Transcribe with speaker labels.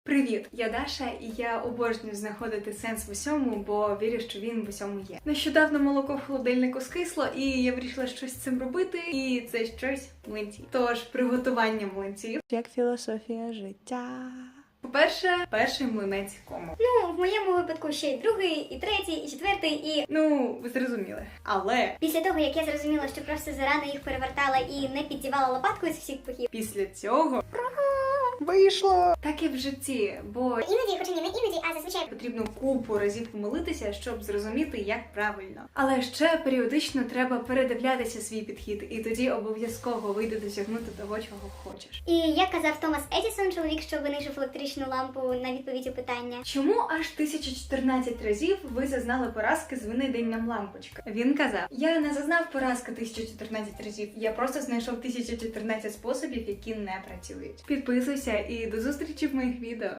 Speaker 1: Привіт, я Даша, і я обожнюю знаходити сенс в усьому, бо вірю, що він в усьому є. Нещодавно молоко в холодильнику скисло, і я вирішила щось з цим робити, і це щось млинці. Тож приготування млинців як філософія життя. По-перше, перший млинець кому.
Speaker 2: Ну, в моєму випадку ще й другий, і третій, і четвертий, і...
Speaker 1: Ну, ви зрозуміли. Але
Speaker 2: Після того, як я зрозуміла, що просто зарано їх перевертала і не піддівала лопаткою з всіх боків.
Speaker 1: після цього вийшло. Так і в житті, бо
Speaker 2: Іноді, хоча ні, не іноді, а зазвичай
Speaker 1: потрібно купу разів помилитися, щоб зрозуміти, як правильно. Але ще періодично треба передивлятися свій підхід, і тоді обов'язково вийде досягнути того, чого хочеш.
Speaker 2: І як казав Томас Едісон, чоловік, що винайшов електричну лампу, на відповідь у питання.
Speaker 1: Чому аж 1014 разів ви зазнали поразки з вини день нам лампочка? Він казав: я не зазнав поразки 1014 разів, я просто знайшов 1014 способів, які не працюють. Підписуйся і до зустрічі в моїх відео.